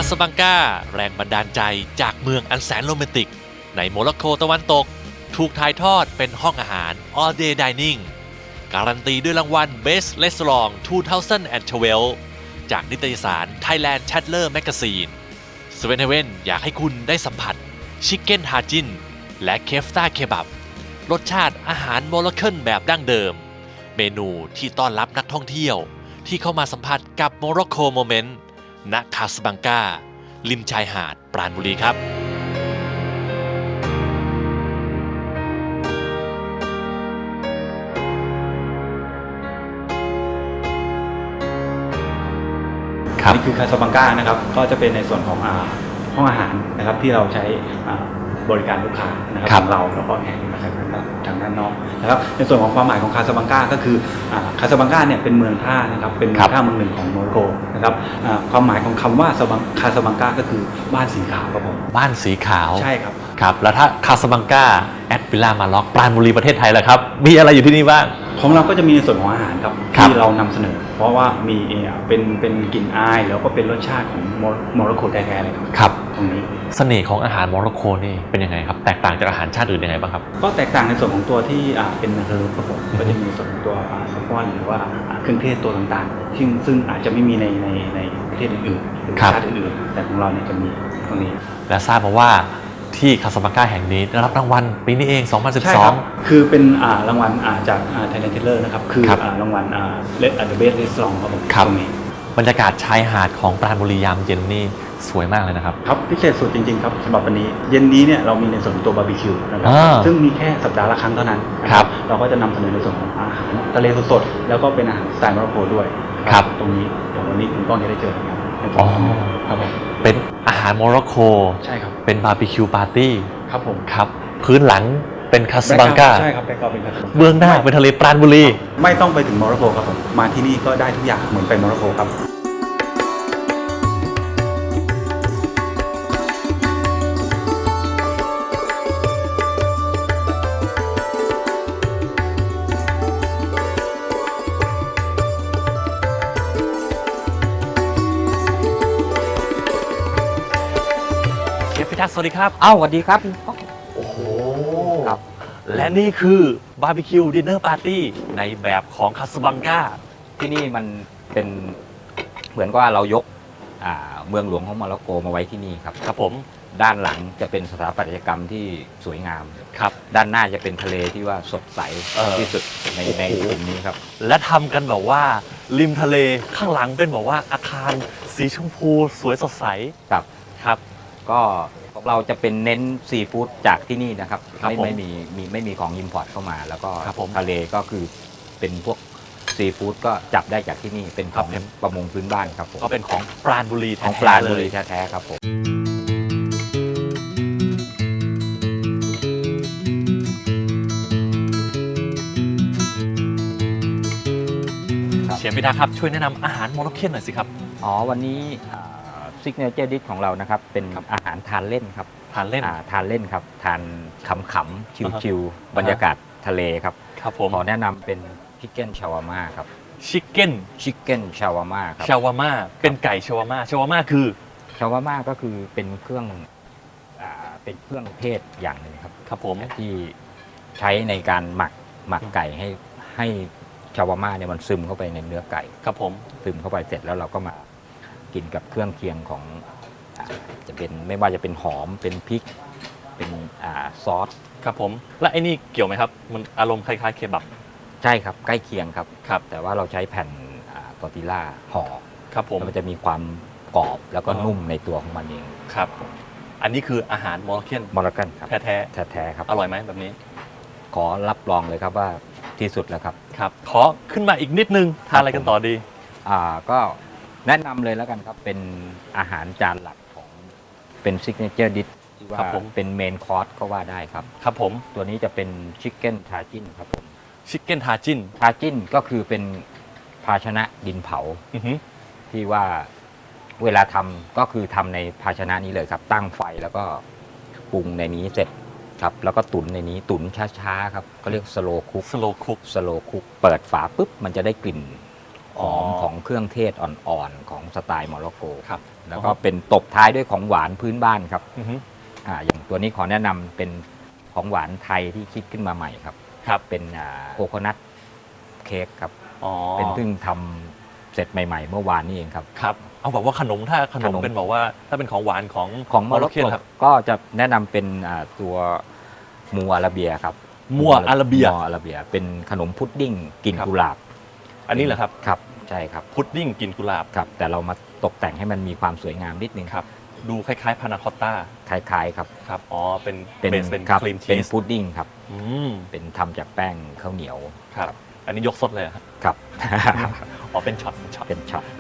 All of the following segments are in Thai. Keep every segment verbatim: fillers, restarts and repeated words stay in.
สบังกาแรงบันดาลใจจากเมืองอันแสนโรแมนติกในโมร็อกโกตะวันตกถูกถ่ายทอดเป็นห้องอาหาร All Day Dining การันตีด้วยรางวัล Best Restaurant สองพันสิบสอง จากนิตยสาร Thailand Chatler Magazine สเวนเฮเว่นอยากให้คุณได้สัมผัสชิคเก้นฮาจินและเคฟตาเคบับรสชาติอาหารโมร็อกเคนแบบดั้งเดิมเมนูที่ต้อนรับนักท่องเที่ยวที่เข้ามาสัมผัสกับโมร็อกโกโมเมนต์ณคาสบังการิมชายหาดปราณบุรีครับนี่คือคาสบังกานะครับก็จะเป็นในส่วนของห้องอาหารนะครับที่เราใช้บริการลูกค้านะครับของเราแล้วก็แห่มาทางด้านนอกนะครับในส่วนของความหมายของคาสบังกาก็คือคาสบังกาเนี่ยเป็นเมืองท่านะครับเป็นเมืองท่าเมืองหนึ่งของโมร็อกโกนะครับความหมายของคำว่าคาสบังกาก็คือบ้านสีขาวครับผมบ้านสีขาวใช่ครับครับแล้วถ้าคาสบังกาแอดวิลล่ามาล็อกปราณบุรีประเทศไทยแหละครับมีอะไรอยู่ที่นี่บ้างของเราก็จะมีในส่วนของอาหารครับที่เรานำเสนอเพราะว่ามีเป็นเป็นกลิ่นอายแล้วก็เป็นรสชาติของโมร็อกโกแท้ๆเลยครับครับตรงนี้เสน่ห์ของอาหารโมร็อกโกนี่เป็นยังไงครับแตกต่างจากอาหารชาติอื่นยังไงบ้างครับก็แตกต่างในส่วนของตัวที่เป็นเฮอร์บครับผมก็จะมีส่วนของตัวแซลมอนหรือว่าเครื่องเทศตัวต่างๆซึ่งซึ่งอาจจะไม่มีในในในประเทศอื่นๆหรือชาติอื่นๆแต่ของเราเนี่ยจะมีตรงนี้และทราบมาว่าที่คาสบังกาแห่งนี้ได้รับรางวัลปีนี้เองสองพันสิบสองใช่ครับคือเป็นรางวัลจาก Thailand Chatler นะครับคือรางวัล The Best Restaurant ครับผมตรงนี้บรรยากาศชายหาดของปราณบุรียามเย็นนี่สวยมากเลยนะครับครับพิเศษสุดจริงๆครับสำหรับวันนี้เย็นนี้เนี่ยเรามีในส่วนของตัวบาร์บีคิวนะครับซึ่งมีแค่สัปดาห์ละครั้งเท่านั้นครับเราก็จะนำเสนอในส่วนของอาหารทะเลสดๆแล้วก็เป็นอาหารสไตล์โมร็อกโกด้วยครับตรงนี้เดี๋ยววันนี้คุณก้องจะได้เจอครับอ๋อครับผมเป็นอาหารโมร็อกโกใช่ครับเป็นบาร์บีคิวปาร์ตี้ครับผมครับพื้นหลังเป็นคาสบังกาใช่ครับแบ็คกราวด์เป็นคาสบังกาเบื้องหน้าเป็นทะเลปราณบุรีไม่ต้องไปถึงโมร็อกโกครับผมมาที่นี่ก็ได้ทุกอย่างเหมือนไปโมร็อกโกครับพี่ทักษ์สวัสดีครับอ้าวสวัสดีครับโอ้โหครับและนี่คือบาร์บีคิวดินเนอร์ปาร์ตี้ในแบบของคาสบังกาที่นี่มันเป็นเหมือนว่าเรายกเมืองหลวงของโมร็อกโกมาไว้ที่นี่ครับครับผมด้านหลังจะเป็นสถาปัตยกรรมที่สวยงามครับด้านหน้าจะเป็นทะเลที่ว่าสดใสที่สุดในในกลุ่มนี้ครับและทำกันแบบว่าริมทะเลข้างหลังเป็นแบบว่าอาคารสีชมพูสวยสดใสครับครับก็เราจะเป็นเน้นซีฟู้ดจากที่นี่นะครับไม่ไม่มีมีไม่มีของอิมพอร์ตเข้ามาแล้วก็ทะเลก็คือเป็นพวกซีฟู้ดก็จับได้จากที่นี่เป็นของประมงพื้นบ้านครับผมก็เป็นของปราณบุรีของปราณบุรีแท้ๆครับผมเชฟพิทักษ์ครับช่วยแนะนำอาหารโมร็อกเคนหน่อยสิครับอ๋อวันนี้ซิกเนเจอร์ดิชของเรานะครับเป็นอาหารทานเล่นครับทานเล่นทานเล่นครับทานขำๆชิวๆบรรยากาศทะเลครับครับผมขอแนะนำเป็นชิคเก้นชาวาม่าครับชิคเก้นชิคเก้นชาวาม่าครับชาวาม่าเป็นไก่ชาวาม่าชาวาม่าคือชาวาม่าก็คือเป็นเครื่องเป็นเครื่องเทศอย่างหนึ่งครับครับผมที่ใช้ในการหมักหมักไก่ให้ให้ชาวาม่าเนี่ยมันซึมเข้าไปในเนื้อไก่ครับผมซึมเข้าไปเสร็จแล้วเราก็มากินกับเครื่องเคียงของจะเป็นไม่ว่าจะเป็นหอมเป็นพริกเป็นซอสครับผมและไอ้นี่เกี่ยวไหมครับมันอารมณ์คล้ายๆเคบับใช่ครับใกล้เคียงครับครับแต่ว่าเราใช้แผ่นตอร์ติล่าห่อครับผมมันจะมีความกรอบแล้วก็นุ่มในตัวของมันเองครับอันนี้คืออาหารโมร็อกเคนโมร็อกเคนครับแท้แท้แท้แท้ครับอร่อยไหมแบบนี้ขอรับรองเลยครับว่าที่สุดแล้วครับครับขอขึ้นมาอีกนิดนึงทานอะไรกันต่อดีอ่าก็แนะนำเลยแล้วกันครับเป็นอาหารจานหลักของเป็นซิกเนเจอร์ดิชที่ว่าเป็นเมนคอร์สก็ว่าได้ครับครับผมตัวนี้จะเป็นชิคเก้นทาจินครับผมชิคเก้นทาจินทาจินก็คือเป็นภาชนะดินเผาที่ว่าเวลาทำก็คือทำในภาชนะนี้เลยครับตั้งไฟแล้วก็ปรุงในนี้เสร็จครับแล้วก็ตุ๋นในนี้ตุ๋นช้าๆครับก็เรียกสโลคุกสโลคุกสโลคุกเปิดฝาปุ๊บมันจะได้กลิ่นหอมของเครื่องเทศอ่อนๆของสไตล์โมร็อกโกครับแล้วก็อ๋อเป็นตบท้ายด้วยของหวานพื้นบ้านครับอือฮึอ่าอย่างตัวนี้ขอแนะนำเป็นของหวานไทยที่คิดขึ้นมาใหม่ครับครับเป็นโคโคนัทเค้กครับอ๋อเป็นเพิ่งทำเสร็จใหม่ๆ เมื่อวานนี้เองครับครับเอาแบบว่าขนมถ้าขนมขนมเป็นบอกว่าถ้าเป็นของหวานของของโมโมร็ร็ออกกเคนโกครับก็จะแนะนำเป็นอ่าตัวมัวอาราเบียครับมัวอาราเบียมัวอาราเบีย เป็นขนมพุดดิ้งกลิ่นครับกุหลาบอันนี้เหรอครับครับใช่ครับพุดดิ้งกลิ่นกุหลาบครับ แต่เรามาตกแต่งให้มันมีความสวยงามนิดนึงครับดูคล้ายๆพานาคอตต้าคล้ายๆครับครับอ๋อเป็นเป็นเบสเป็นครับครีมเป็นชีสพุดดิ้งครับอืมเป็นทำจากแป้งข้าวเหนียวครับอันนี้ยกสดเลยเหรอครับครับอ๋อเป็นช็อตเป็นช็อตเป็นช็อตได้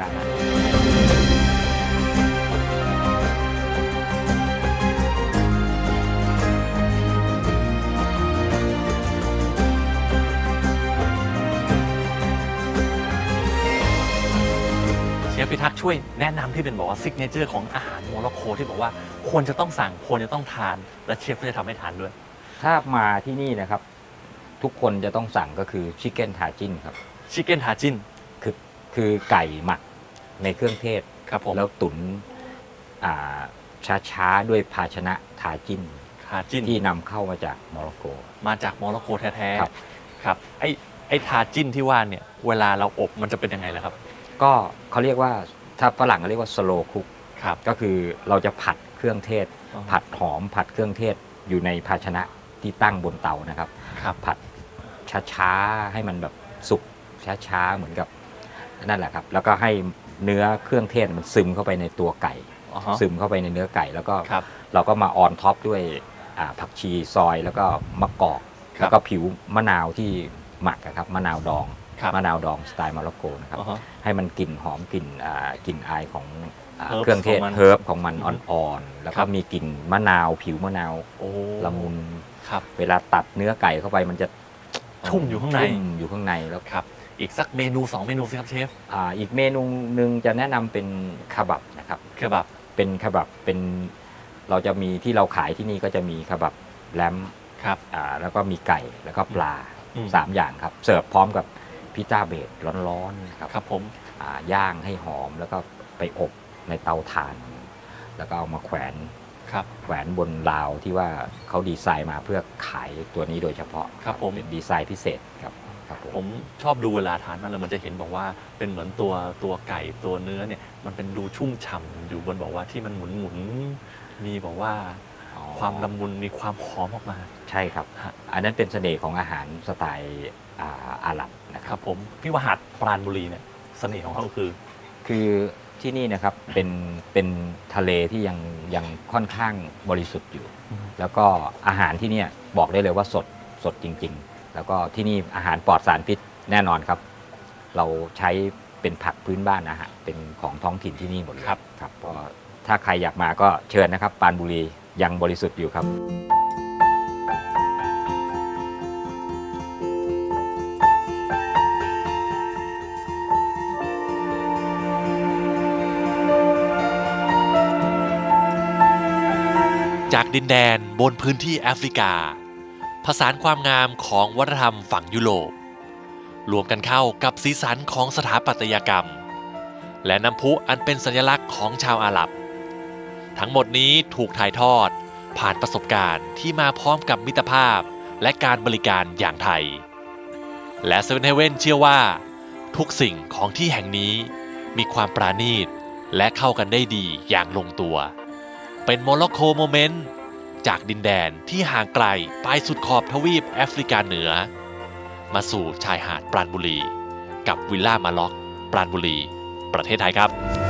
เชฟพิทักษ์ช่วยแนะนำที่เป็นบอกว่าซิกเนเจอร์ของอาหารโมร็อกโกที่บอกว่าควรจะต้องสั่งควรจะต้องทาน และเชฟก็จะทำให้ทานด้วยถ้ามาที่นี่นะครับ ทุกคนจะต้องสั่งก็คือชิคเก้นทาจินครับชิคเก้นทาจินคือคือไก่หมักในเครื่องเทศครับผมแล้วตุ๋นช้าๆ ด้วยภาชนะทาจินทาจินที่นำเข้ามาจากโมร็อกโกมาจากโมร็อกโกแท้ครับๆครับไอ้ไอ้ทาจินที่ว่าเนี่ยเวลาเราอบมันจะเป็นยังไงล่ะครับก็เขาเรียกว่าถ้าฝรั่งเขาเรียกว่าสโลคุกครับก็คือเราจะผัดเครื่องเทศอ๋อผัดหอมผัดเครื่องเทศอยู่ในภาชนะที่ตั้งบนเตานะครับครับผัดช้าๆ ให้มันแบบสุกช้าๆ เหมือนกับนั่นแหละครับ แล้วก็ให้เนื้อเครื่องเทศมันซึมเข้าไปในตัวไก่อ๋อฮะซึมเข้าไปในเนื้อไก่ แล้วก็ครับเราก็มาออนท็อปด้วยอ่าผักชีซอยแล้วก็มะกอกครับแล้วก็ผิวมะนาวที่หมักอะครับมะนาวดองครับมะนาวดองสไตล์โมร็อกโกนะครับอ๋อฮะให้มันกลิ่นหอมกลิ่นอ่ากลิ่นอายของอ่า Herbs เครื่องเทศของมันเฮิร์บของมันอืมอ่อนๆ แล้วครัก็บมีกลิ่นมะนาวผิวมะนาวโอ้ละมุนครับเวลาตัดเนื้อไก่เข้าไปมันจะชุ่มอยู่ข้างในชุ่มอยู่ข้างในแล้วครับอีกสักเมนูสองเมนูสิครับเชฟอ่าอีกเมนูหนึ่งจะแนะนำเป็นคาบับนะครับคือแบบเป็นคาบับเป็นเราจะมีที่เราขายที่นี่ก็จะมีคาบับแลมครับอ่าแล้วก็มีไก่แล้วก็ปลาอืมสามอย่างครับ เสิร์ฟพร้อมกับพิซซ่าเบสร้อนๆนะครับครับผมอ่าย่างให้หอมแล้วก็ไปอบในเตาถ่าน แล้วก็เอามาแขวนครับแขวนบนราวที่ว่าเขาดีไซน์มาเพื่อขายตัวนี้โดยเฉพาะครับผมเป็นดีไซน์พิเศษครับครับผมผมชอบดูเวลาทานมันเลยมันจะเห็นบอกว่าเป็นเหมือนตัวตัวไก่ตัวเนื้อเนี่ยมันเป็นดูชุ่มฉ่ำอยู่บนบอกว่าที่มันหมุนหมุนๆมีบอกว่าอ๋อความละมุนมีความหอมออกมาใช่ครับฮะอันนั้นเป็นเสน่ห์ของอาหารสไตล์อ่าอาหรับนะคครัรับ บผมพี่ว่าหาดปราณบุรีเนี่ยเสน่ห์ของเขาคือคือที่นี่นะครับเป็นเป็นทะเลที่ยังยังค่อนข้างบริสุทธิ์อยู่อืมแล้วก็อาหารที่เนี่ยบอกได้เลยว่าสดสดจริง ๆ แล้วก็ที่นี่อาหารปลอดสารพิษแน่นอนครับ เราใช้เป็นผักพื้นบ้านนะฮะเป็นของท้องถิ่นที่นี่หมดเลยครับครับก็ถ้าใครอยากมาก็เชิญนะครับปรานบุรียังบริสุทธิ์อยู่ครับจากดินแดนบนพื้นที่แอฟริกา ผสานความงามของวัฒนธรรมฝั่งยุโรปรวมกันเข้ากับสีสันของสถาปัตยกรรม และน้ำพุอันเป็นสัญลักษณ์ของชาวอาหรับ ทั้งหมดนี้ถูกถ่ายทอดผ่านประสบการณ์ที่มาพร้อมกับมิตรภาพและการบริการอย่างไทย และเซเว่นเฮเว่นเชื่อว่า ทุกสิ่งของที่แห่งนี้มีความปราณีตและเข้ากันได้ดีอย่างลงตัว เป็นโมร็อกโกโมเมนต์จากดินแดนที่ห่างไกลไปสุดขอบทวีปแอฟริกาเหนือ มาสู่ชายหาดปราณบุรี กับวิลล่ามาล็อกปราณบุรี ประเทศไทยครับ